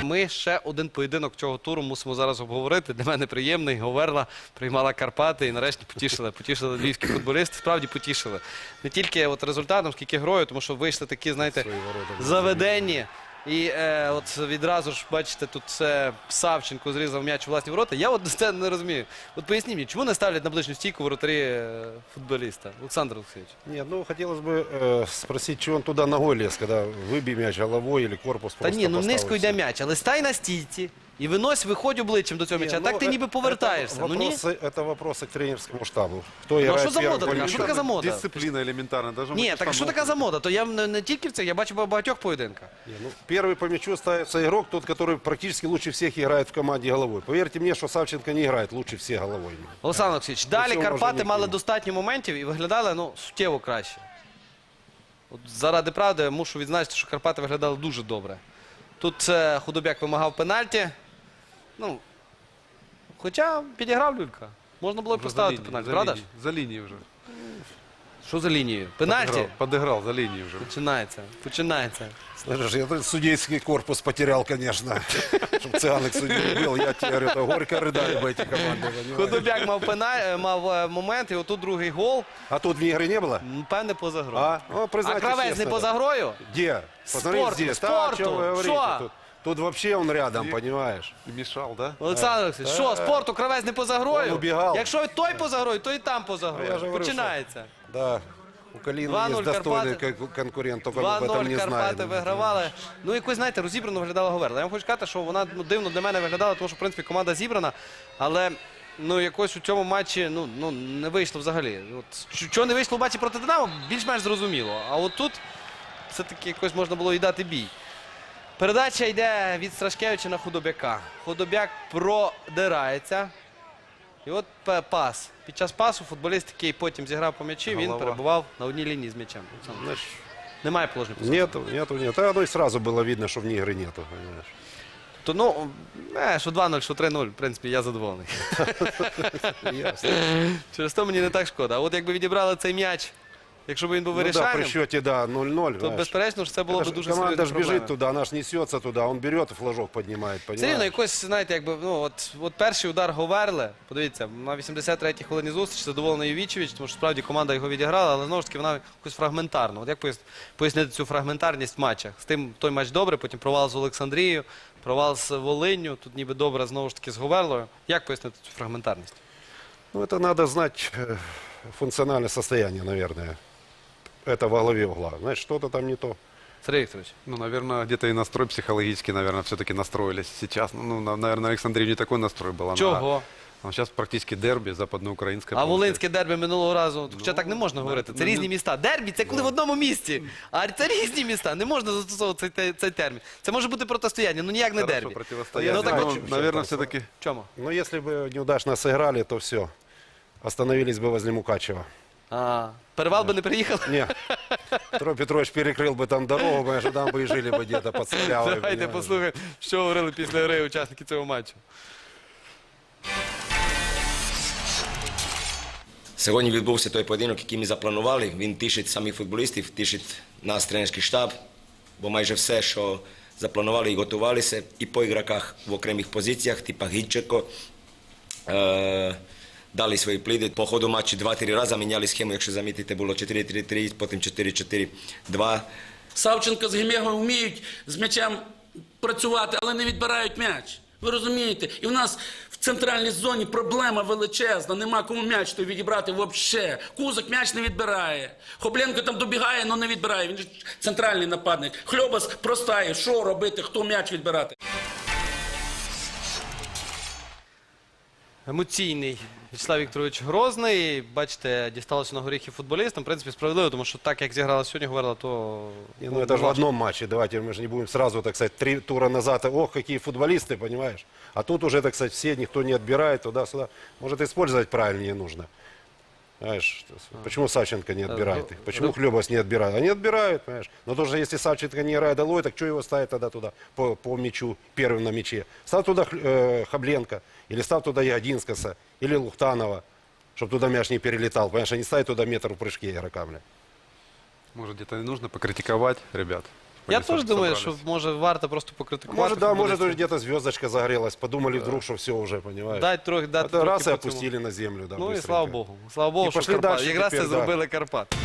Ми ще один поєдинок цього туру мусимо зараз обговорити. Для мене приємний. Говерла приймала Карпати і нарешті потішили. Потішили львівські футболісти. Справді потішили. Не тільки от результатом, скільки грою, тому що вийшли такі, знаєте, заведені. І от відразу ж, бачите, тут це Савченко зрізав м'яч у власні ворота. Я от це не розумію. От поясніть мені, чому не ставлять на ближню стійку воротарі футболіста? Олександр Олексійович. Нет, ну хотелось бы спросить, чего он туда ногой лез, когда выбей мяч головой или корпус Та просто ні, ну поставил низько йде себе. м'яч, але стай на стійці і виходь обличчям до цього м'яча. Так ти ніби повертаєшся. Ну ні? Это вопросы к тренерскому штабу. Кто Ну а играет що за первым мода? по така? мячу? Що така за мода? Дисциплина элементарно. Даже Ні, так що така за мода? То я не тільки в це, я бачу в багатьох поєдинках. Не, ну, первый по мячу ставится игрок, тот, который практически лучше всех играет в команде головой. Поверьте мне, что Савченко не играет лучше всех головой. Олександр Олексійович, далі цього Карпати може мали ніхто. достатньо моментів і виглядали, ну, суттєво краще. От заради правди мушу відзначити, що Карпати виглядали дуже добре. Тут Худобяк вимагав пенальті. Ну, хоча підіграв Люлька. Можна було б поставити пенальті, правда ж? За линией уже. Що за лінією? Пенальті? Подыграл за линией уже. Починається. Слышишь, я тут судейский корпус потерял, конечно. Чтобы Цыганык судьей был, я тебе говорю, это горько рыдали бы эти команды. понимаешь? Худобяк мав момент, і отут другий гол. А тут вне игры не было? Певне поза грою. А? Ну, А признайте Кравець не честно, поза да. грою? Где? Посмотри Спорту, здесь. спорту. Да, о чем вы говорите? Шо? Тут вообще он рядом, понимаешь? И мешал, да? Олександр Олексійович, що, спорту Кравець не поза грою? Он убігав. Якщо той поза грою, то і там поза я грою. же говорю, Починається. Да. У Калины 2:0 есть достойный Карпаты. конкурент, только мы об этом 2-0 не знаем. Карпати вигравали. Ну, якось, знаєте, розібрано виглядала Говерла. Я вам хочу сказати, що вона дивно для мене виглядала, тому що, в принципі, команда зібрана. Але, ну, якось у цьому матчі, ну не вийшло взагалі. От, що не вийшло в матчі проти Динамо, більш-менш зрозуміло. А от тут все-таки якось можна було і дати бій. Передача йде від Страшкевича на Худобяка. Худобяк продирається. І от пас. Під час пасу футболіст, який потім зіграв по м'ячі, він Голова. перебував на одній лінії з м'ячем. Знаешь, Немає положення. позиції. нету. А оно и сразу было видно, что вне игры нету, понимаешь? То, ну, що 2-0, що 3-0, в принципі, я задоволений. Ясно. Через то мені не так шкода. А от якби відібрали цей м'яч, якщо б він був Ну да, при вирішальним, счете, да, 0-0. то, знаешь. безперечно, що це було Это б ж дуже команда серйозна ж бежит проблема. туда, она ж несется туда, он берет и флажок поднимает, Все рівно понимаешь? якось, знаєте, якби, ну, от перший удар Говерли, подивіться, на 83-й хвилині зустрічі задоволений Ювічевич, тому що справді команда його відіграла, але знову ж таки вона якось фрагментарна. От як пояснити цю фрагментарність в матчах? З тим той матч добре, потім провал з Олександрією, провал з Волинню, тут ніби добре знову ж таки з Говерлою. Як пояснити цю фрагментарність? Ну, это надо знать функциональное состояние, наверное. Это во главе угла. Знаешь, что-то там не то. Сергій Вікторович. Ну, наверное, где-то и настрой психологический, наверное, все-таки настроились сейчас. Ну, наверное, Александрии не такой настрой был. Чого? Сейчас практически дерби западноукраїнське. А волинське дербі минулого разу, хоча так не можна говорити, це різні міста. Дербі – це коли в одному місті, а це різні міста, не можна застосовувати цей термін. Це може бути протистояння, ну ніяк не дербі. Противостояние. Ну, так Ну, от- наверное, все-таки... В чому? Но если бы неудачно сыграли, то все. Остановились бы возле Мукачева. Перевал би не приїхав? Не. Петро Петрович перекрыл бы там дорогу, понимаешь, там бы и жили бы где-то под Солявой. Давайте понимаешь. послухаємо, що говорили після гри учасники цього матчу. Сьогодні відбувся той поєдинок, який ми запланували. Він тішить самих футболістів, тішить нас, тренерський штаб, бо майже все, що запланували і готувалися, і по ігроках в окремих позиціях, типа Гідченко, дали свої пліди. По ходу матчу 2-3 рази міняли схему, якщо замітите, було 4-3-3, потім 4-4-2. Савченко з Гемегою вміють з м'ячем працювати, але не відбирають м'яч. Ви розумієте? І в нас в центральній зоні проблема величезна, нема кому м'яч той відібрати взагалі. Кузик м'яч не відбирає. Хобленко там добігає, але не відбирає. Він ж центральний нападник. Хльобас простає. Що робити, хто м'яч відбирати? Емоційний В'ячеслав Вікторович Грозний. Бачите, дісталося на горіхи футболістам. В принципі, справедливо, тому що так, як зіграла сьогодні Говерла, то... Не, ну это же в одном матче, давайте мы же не будем сразу, так сказать, 3 тура назад, ох, какие футболисты, понимаешь? А тут уже, так сказать, все, никто не отбирает туда-сюда. Может, использовать правильнее нужно. Знаешь, почему Савченко не отбирает их? Почему Хлебос не отбирает? Они отбирают, понимаешь? Но тоже, если Савченко не играет долой, так что его ставить тогда туда по мячу, первым на мяче? Став туда Хабленко, или став туда Ягодинскаса, или Лухтанова, чтобы туда мяч не перелетал, понимаешь? А не ставить туда метр в прыжке игрока, бля. Может, где-то и нужно покритиковать ребят. Я Они теж думаю, що собрались. може варто просто покритикувати. Может, да, может, футболістів. уже где-то звездочка загорелась. Подумали вдруг, что все уже, понимаешь? Дати трохи Это раз и по цьому. опустили на землю. Да, Ну і быстренько. слава Богу. Слава Богу, І що пошли Карпати. дальше Якраз це тепер, да. зробили Карпати.